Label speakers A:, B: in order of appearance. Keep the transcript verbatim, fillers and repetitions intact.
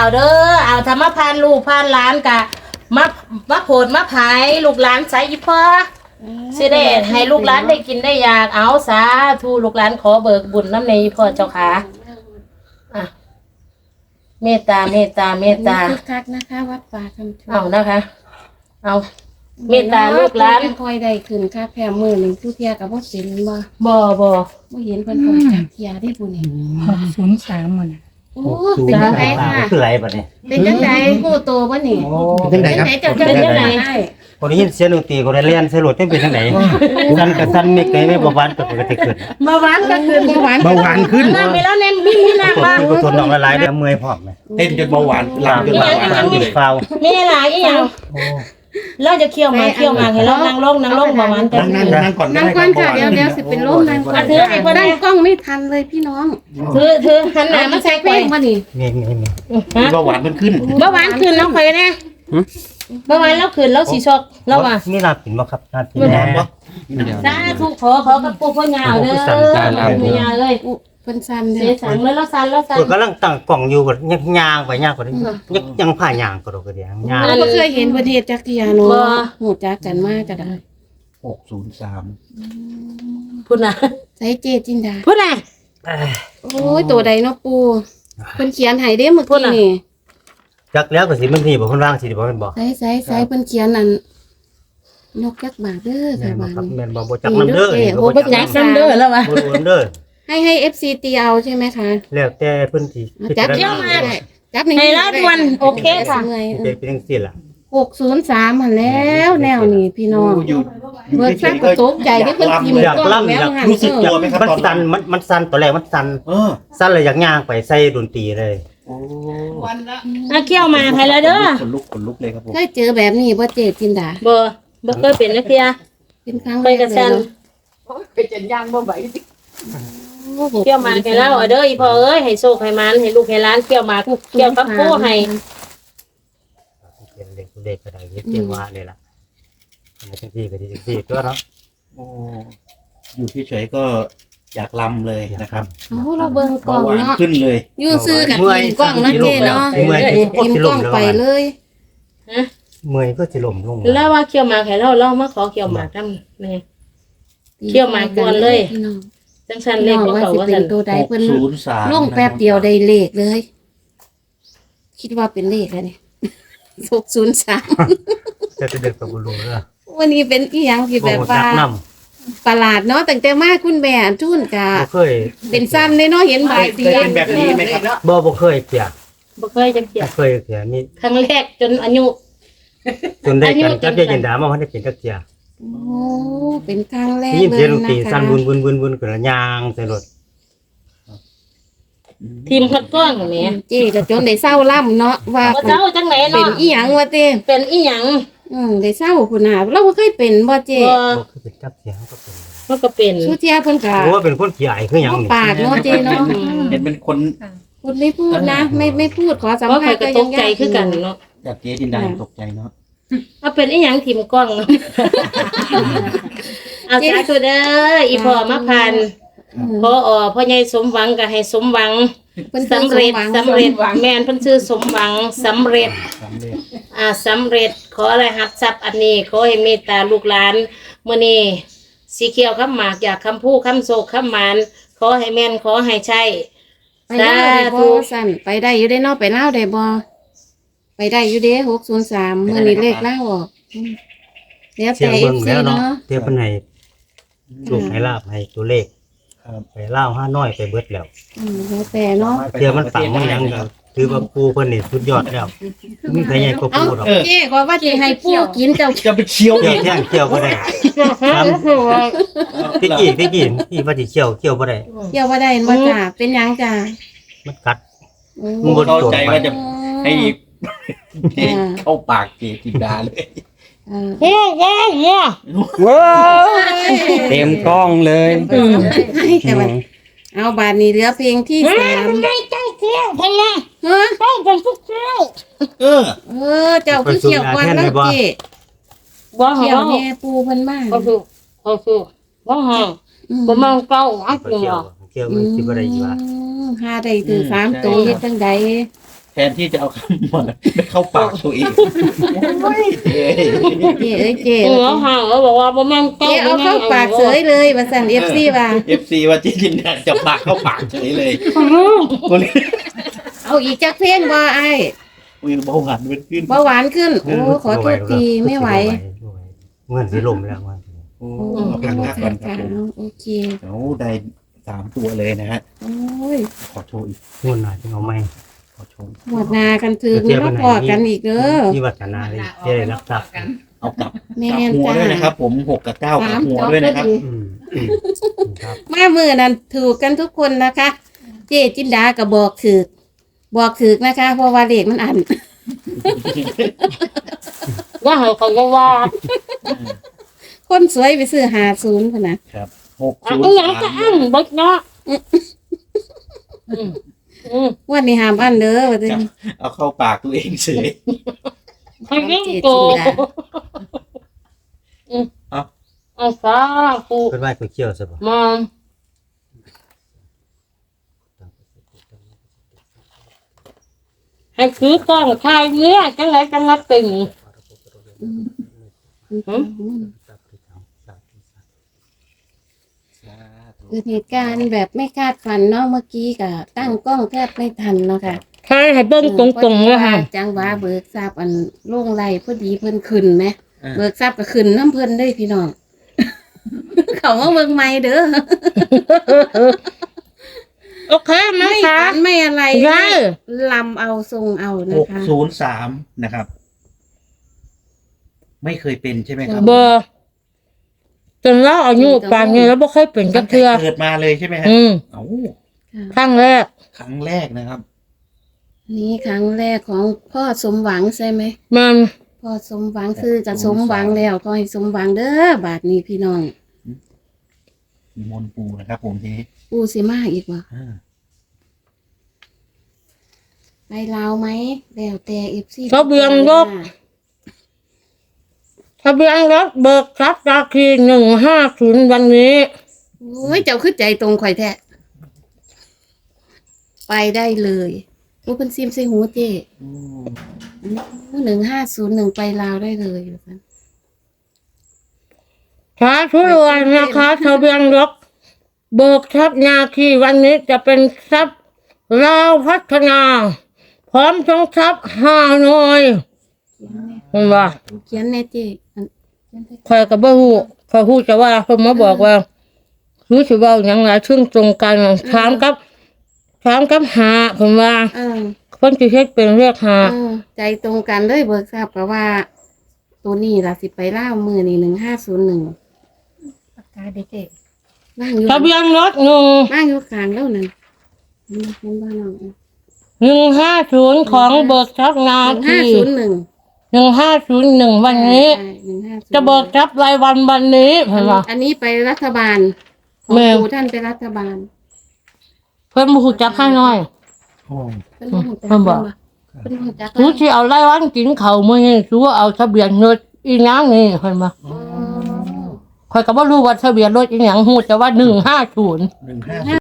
A: เด้อเอาธรรมพานลูกพานหลานกะมามาโผดมาผายลูกหลานใส่อีพ่อสิได้ให้ลูกหลานได้กินได้อยากเอาสาธุลูกหลานขอเบิกบุญน้ำในอีพ่อเจ้าค่ะอ่ะเมตตาเมตตาเมตตา
B: คึกคักนะคะวัดป่าคำชะโนด
A: เอานะคะเอาเมตตาลูกหลาน
B: คอยได้ขึ้นค่ะแพร่มือหนึ่งทุเทียกับบ่เป็นบ่
A: บ่บ่
B: บ่เห็นเพิ่นคอยจักเทียได้บุญนี่
C: หกศูนย์สามมัน
B: โอ้เป็นจังไดค่ะ
D: คืออะไรบัดนี้
B: เป็นจังไดฮู้โตบ่นี่
D: เป็นจังไดครับ
B: เจ้าเป็นจังได
D: คนได้ยินเสียงดนตรีก็ได้เรียนสรุปเป็นเป็นจังไดสันกับสันมีไกไม่บ่หวานก็ปกติขึ้น
A: เบาหวานก็คือเบาหวาน
E: เบาหวานขึ้น
A: นั่งไปแล้วเน้นมีมีนั่ง
D: ตัว
A: บ้าง
D: ที่ก็ทนน้องละลายได้เมื่อยพร้อมไหม
E: เต้นจนเบาหวานลามจนเบาหวาน
D: ตามที่ฟาว
A: มีหลายอีหยังเราจะเคี่ยวมาเคี่ยวมาให้เรานั่งลงนั่งลงเบาหวานแต่
E: นั่งนั่งนั่งก่อน
B: นั่งก่อนค่ะเดี๋ยวเดี๋ยวสิเป็นลมนั่งก่อน
A: ถือให้เพิ่น
B: นั่งกล้องไม่ทันเลยพี่น้อง
A: ถือถือหันหน้า
B: อ่ะ
A: มา
B: มา
A: ใส่
B: ใส่
A: ไป
B: เพลงบ่นี่
D: มีมีมี
A: ฮะ
E: เบาหวานมันขึ้น
A: เบาหวานขึ้นน้องข่อยแน่เบาหวานแล้วขึ้นแล้วสิชอกแล้วว่า
D: มีลาปิ่นบ่ครับลาปิ่น
E: น้ำบ่
A: สาธุขอขอกับปู่พ่อยาวเด้อปู่ยาเลย
B: เพิ่นสั่น
A: เสี
B: เด้
A: ย
B: อ
A: สังเลยแล้วสั่นแล้วสั่น
D: เพิ่นกำลังตั้งกล่องอยู่ก็ยังย่างไปย่างก็ได้ยังยังผ่าย่างก็ดอกก็เดียวย่าง
B: เราบ่เคยเห็นประเทศจักเทียเนาะฮู้จักกันมาก็ได้
E: หกศูนย์สาม
A: พูดนะ
B: ใส่เจจินดา
A: พูดนะ
B: โอ้ยตัวใดเนาะปูเพิ่นเขียนให้เด้เมื่อกี้นี่
D: จักแล้วก็สิมันนี่บ่เพิ่นวางสิบ่แม่นบ่
B: ใส่ใส่ใส่เพิ่นเขียนนั่นยกจักบาทเด้อ
D: แม่
B: ค่ะ
D: นบ่
B: บาท
D: ครับ
B: นี้
D: แม่นบ่บ่จักน้ำเด้อ
B: โอ้
D: บ่
B: บ่
D: จั
B: จั
D: ก
B: ก
A: ซันเดอร์แล้ววะ
D: บ่รู้เด้อ
B: ให้ให้ เอฟ ซี ตีเอาใช่ไหมคะ
D: แล้วแต่เพิ่นสิ
B: จับ
D: พิ
B: เที่ยว
D: จาร
B: มา
D: ณา
B: ได้จับใน
A: ให้ละด่วนโอเคค่ะ
D: เป็นเป็นจังซี่ล่ะ
B: หกศูนย์สามหันแล้วแนวนี้พี่น้อง
E: อยู่อยู่
B: เบิก
E: เฉ
B: ซัก
E: ยๆ
B: ก
E: ก็
B: ระตกใจที่เพิ่นพิมพ์
D: อยาก
B: กล้อง
D: ล่ำ
B: แล้ว
D: อยาก
B: หัน
E: รู้สึกตัวไหมครับ
D: มัน
E: ตอน
D: สั่นมันมันสั่นตอนแรกมันสั่น
E: เออ
D: สั่นเลยอยากย่างไปใส่ดนตรีเลย
E: โอ้
A: อ่ะเคี่ยวมาให้แล้วเด้อ
E: ขนลุกขนลุกเลยครับผม
B: เคยเจอแบบนี้บ่เจจินดา
A: บ่บ่เคยเป็นนักเรียน
B: เป็นครั้ง
A: ไป
B: แรก
A: กระ
B: เล
A: ชั
B: ย
A: น
B: เนาะ
A: เคี่ยวมาให้แล้วเอาเด้ออีพ่อเอ้ยให้โชคให้มันให้ลูกให้หลานเคี่ยวมาเคี่ยวกับผู้ให้
D: เป็นเด็กเด็กก็ได้เฮ็ดเรียกว่าเลยล่ะอันนี้จังซี่ก็ดีจังซี่ตัวเนาะ
E: โอ้อยู่เฉยๆก็อยากลำเลยนะครับ
B: โอ้เราเบิ่งกล้
E: เบา
B: อง
E: หวาน
B: เนาะ
E: ขึ้นเลย
B: อยู่ซื้อกับพิมพ์กล้องเนาะเจเนาะ
D: เมื่อย
B: พิมพ์กล้องไปเลย
D: เมื่อยก็สิล้มลง
A: แล้วว่าเคี่ยวมาให้เราเรามาขอเคี่ยวหมากนำนี่ เที่ยวมาก่อนเลย
B: พี่น้อง
A: จังซั่น
B: พี่
A: เล
B: น้
A: ข
B: อง
A: ของ
B: ว่า
A: เขา
B: สิ
A: ว่า
B: เป็
A: ซั่
B: น
A: น
B: ตัวใดเพิ่น
E: ศูนย์สาม
B: ลงแป๊บเดียวได้เลขเลย คิดว่าเป็นเลขอะไรเนี่ยหกศูนย์สาม
D: แต่จะเด็กกับบุรุษเด้อ
B: วันนี้เป็นอีหยังที่แบบ
D: บ่
B: ว่า
D: จักนำ
B: ประหลาดเนาะตั้งแต่มาคุณแม่จุนกะ
D: บ่เคย
B: เป็นซ้ำเลยเนาะเห็นใบายสี
E: เคยเป็นแบบนี้ไหมครับ
D: บ่บ่เคยเปียก
A: บ่เคยจังเที่ย
D: บ่เคยเปียกนี่
A: ครั้งแรกจนอายุ
D: จนได้
A: อายุ
D: กัน
A: จ
D: จั
A: น
D: กได้ยินดามาว่าได้เป็นจักเที่ย
B: โอ้เป็นครั้งแรก
D: ได้ยิน
B: เล
D: เสีย
B: ย
D: งดนตรี
B: นะ
D: สั่
B: คะ
D: นวุ่นๆๆๆก็ย่างใส่รถ
A: ทีมคัดกรองแหม
B: เจ๊ก็จนได้เศร้าล่ำเนาะว่า
A: บ่เจ้าจังไหน
B: เป็น
A: เนาะ
B: อีหยังวะเต้
A: เป็นอีหยัง
B: อืมได้เศร้าพุ่นน่ะเราบ่เคยเป็นบ่เจ๊
A: บ่
D: บ่เคยเป็นจักเที่ยก็เป็น
A: มันก็เป็น
B: สุเทียเพิ่นก็
D: โอ้เป็นคนขี้อายคือหยัง
B: บ่
D: นี่
B: ปากเนาะเจ๊เนาะ
E: เห็นเป็นคน
B: พูดไม่พูดนะ ไม่ไม่พูดขอสัม
A: เพราะ
B: ภา
A: ข่อ
B: ษ
A: ย
B: ณ์
A: ก็
B: ก็
A: ต
B: ยัง
A: กใจ
B: ยาก
A: คือกันเนาะ
E: จากเจ๊จินดายังตกใจเนาะ
A: เอาเป็นอีหยังทีมกล้องเนาะเอาสาธุเด้ออีพ่อมาพันพออพ่อใหญ่สมหวังก็ให้สมหวัง
B: เพิ่น
A: สำเร็จสำเร็จแม่นเพิ่นชื่อสมหวังสำเร็จ
E: สำเร็จ
A: อ่าสำเร็จขออะไรหัดทรัพย์อันนี้ขอให้เมตตาลูกหลานมื้อนี้สีเขียวคำหมากอยากคำพูดคำโศกคำหมานขอให้แม่นขอให้ใช่
B: ไปเล่าวได้บ่สั่นไปได้อยู่ได้เนาะไปเล่าวได้บ่ไปได้อยู่เด้หกศูนย์สามมื้อนี้เลขเล่าวออกอืมแล้ว
D: เสีย
B: แต่
D: ง
B: เอ
D: เบิ่
B: ฟ
D: ง
B: ซี
D: แล้วเนาะ
B: เนาะ
D: เที่ยเพิ่นให้ลูกให้ลาบให้ตัวเลข
E: ครับ
D: ไปเล่าห้าน้อยไปเบิดแล้ว
B: อืมแล้วแต่เนาะ
D: เที่ยมันปังมันหยังก็ถือว่าปูเพิ่นนี่สุดยอดแล้วมีใครใหญ่กว่า
B: เอา
D: ปูดอก
B: เจ๊ก็ว่าสิให้ปู่กินเจ้า
E: จะไปเคี้ยว
D: เที่ยว
E: อีก
D: แท่งเที่ยวบ่ได้พี่กี้พี่กี้พี่ว่าสิเที่ยวเที่ยวบ่ได้
B: เกี่ยวบ่ได้บ่จ้าเป็นหยังจ้า
D: มันกัด
B: โอ้
D: มึงบ่
E: เข้าใจว่าจะให้
B: อ่า
E: เข้าปากเจ๊จินดาเลย
B: อ่า
A: โอ้โหโอ้
C: ว้าวเต็มกล้องเลย
B: ให้แต่ว่าเอาบาดนี้เหลือเพลงที่สาม
A: ได้ใจเที่ยวพะนะ
B: ฮะ
A: ต้องเป็นทุกเที่ยว
E: เออ
B: เออเจ้าคือเกี่ยวก่อนแล้วเจ๊
A: บ่หา
B: เกี่ยว
A: ว
B: แม่ปูเพิ่นมา
A: ก็คือก็คือบ่หา
B: อืม
A: บ่มองเก้าอัน
D: เที่
A: เดี
D: ย
A: ยว ว
D: เที่ยวมันสิบ่ได้อยู่ว่า
B: อืมหาได้ถึงสามตัวเฮ็ดจังใด
E: แทนที่จะเอาคำว่าไปเข้าปากตัวเองโอ้ยเอ้ย
B: เจ๊เอ้ยเจ๊
A: เออห่างแล้วบอกว่าบ่แม่นเก้า
B: เจ๊เอาเข้าปากเสยเลยว่าสั่น เอฟ ซี ว่า
E: เอฟซีว่าเจจินดาจะปากเข้าปากเฉยเลยคนนี้
B: เอาอีกจักเพลงบ่ไอ้
E: อุ้ยเบาหวานมันขึ้น
B: เบาหวานขึ้น โอ้ขอโทษทีไม่ไหว
D: เงินสิลมแล้วมัน
E: โอ้
B: โอ้
E: เอาพักพักก่อนครับผม
B: โอเค
E: เดี๋ยวได้สามตัวเลยนะฮะ
B: โอ้ย
E: ขอโชว์อีก
D: เงินหน่อยจะเอาไหม
E: ขอโชว์
B: หมดนากันถือมาพอกันอีกเด้อ
D: ที่วัฒนาเลยจะได้รับทรัพย์
E: เอากลับ
B: แม่
E: กลับ
B: น
E: หัว
B: จ้า
E: ด้วยนะครับ ผมหกกับเก้ากลั
B: สา
E: บ
B: ม
E: หัว
B: จอ
E: ด้วยนะครับ
B: พอดี
D: อืมครับ
B: มามือนั้นถูกกันทุกคนนะคะ เจ๊จินดาก็บอกถือบอกถือนะคะ เพราะว่าเลขมันอัน
A: ว่าให้เขาก็ว่า
B: คนสวยไปซื้อหาศูนย์พะนะครับ
E: หก
A: อ่ะ
E: ศูน
A: อัน
E: ย์
A: หยังก็
E: สาม
A: อั้นบักเนาะอืมอืม
B: วันนี้หามอันเด้อว่าจะ
E: เอาเข้าปากตัวเองเฉย
A: ให้ยิ่งโกอืม
E: เอา
A: เอาสาปู
D: เป็นว่าก๋วยเตี๋ยวใช่ปะ
A: มาให้คือกล้องถ่ายเนี้ยจังไรจังนัดติ่ง
B: เกิดเหตุการณ์แบบไม่คาดฝันเนาะเมื่อกี้ก็ตั้งกล้องแทบไม่ทันเนาะค่ะ
A: ใช่ให้เบิ้งตรงๆเลยค่ะ
B: จังหวะเบิกทราบอันโล่งไหลพอดีเพิ่นขึ้นไหม
E: อ่า
B: เบิกทราบก็ขึ้นน้ำเพิ่นได้พี่น้อง เขาว่าเบิกไม่เด้อ
A: โอเคไหม
B: ไม่
A: คะ
B: ฝันไม่อะไร
A: ได้
B: ลำเอาทรงเอา
E: ห
B: นะ
E: ก
B: คะ
E: ศูนย์สามนะครับ ไม่เคยเป็นใช่ไหมครับ
A: เบอร์จนเราอายุป่านนี้แล้วบ่เคยเป็นจั
E: ตั้
A: ก
E: งแต่
A: เทื่อ
E: เกิดมาเลยใช่ไหมฮะ
A: อืม
E: เอ้า
A: ครั้งแรก
E: ครั้งแรกนะครับ
B: นี่ครั้งแรกของพ่อสมหวังใช่ไหม
A: มัน
B: พ่อสมหวังคือจะสมหวังแล้วก็ให้สมหวังเด้อบาทนี้พี่น้อง
E: มีมนต์ปูนะครับ ผมทีนี้
B: ปูสิมาอีกวะ
E: อ่า
B: ไปลาวไหมแล้วแต่เอฟซี
A: ทะเบียนรถทะเบียนรถเบิกทรัพย์ราคีหนึ่งห้าศูนย์วันนี้
B: โอ้ยเจ้าขึ้นใจตรงข่อยแท้ไปได้เลยอู้เป็นซิมใส่หูเจ้
E: อืม
B: หนึ่งห้าศูนย์หนึ่งไปลาวได้เลยอยู่กัน
A: สาธุรวยนะคะทะเบียนรถเบิกทรัพย์นาคีวันนี้จะเป็นทรัพย์ลาวพัฒนา พร้อมทั้งทรัพย์ฮานอยเห็นว่า
B: เขียนแน่เจ้อันเขียนแน่
A: คอยกับบ่ฮู้คอยฮู้จะว่าเพิ่นมาบอกว่ารู้สิเว้าหยังหลายซึ่งตรงกันถามกับถามกับหาเพิ่นว่า
B: เออ
A: เพิ่นสิเฮ็ดเป็นเรียกหา
B: เออใจตรงกันเลยเบิกทราบกับว่า ตัวนี้ล่ะสิไปล่าวมือนี่หนึ่งห้าศูนย์หนึ่งปากกาเด็กเอกนั่งอยู่
A: ทะเบียนรถหนึ่ง
B: นั่งอยู่กลางแล้วนั่นเห็นเห็นบ้านเรา
A: หนึ่งห้าศูนย์ของเบิกทรัพย์นา
B: หนึ่งห้า
A: คี
B: ศูนย์หนึ่ง
A: หนึ่งห้าศูนย์หนึ่งวันนี้
B: ใช่หนึ่งห้าศูนย์
A: จะเบิกทรัพย์รายวันวันนี้เพิ่นว่า
B: อันนี้ไปรัฐบาลของ
A: แม่
B: ครูท่านไปรัฐบาล
A: เพิ่นบ่ฮู้จักให้น้อย
E: โอ้
B: เป็นผู้จัก
A: เพิ่นบอก
B: เป็นผู้จัก
A: รู้สิเอารายวันกินข้าวมื้อนี้รู้เอาทะเบียนรถอีหยังนี่เพิ่นว่า
B: อ๋อ
A: ข้อยก็บ่รู้ว่าทะเบียนรถอีหยังฮู้แต่ว่าหนึ่งห้าศูนย์
E: หนึ่งห้า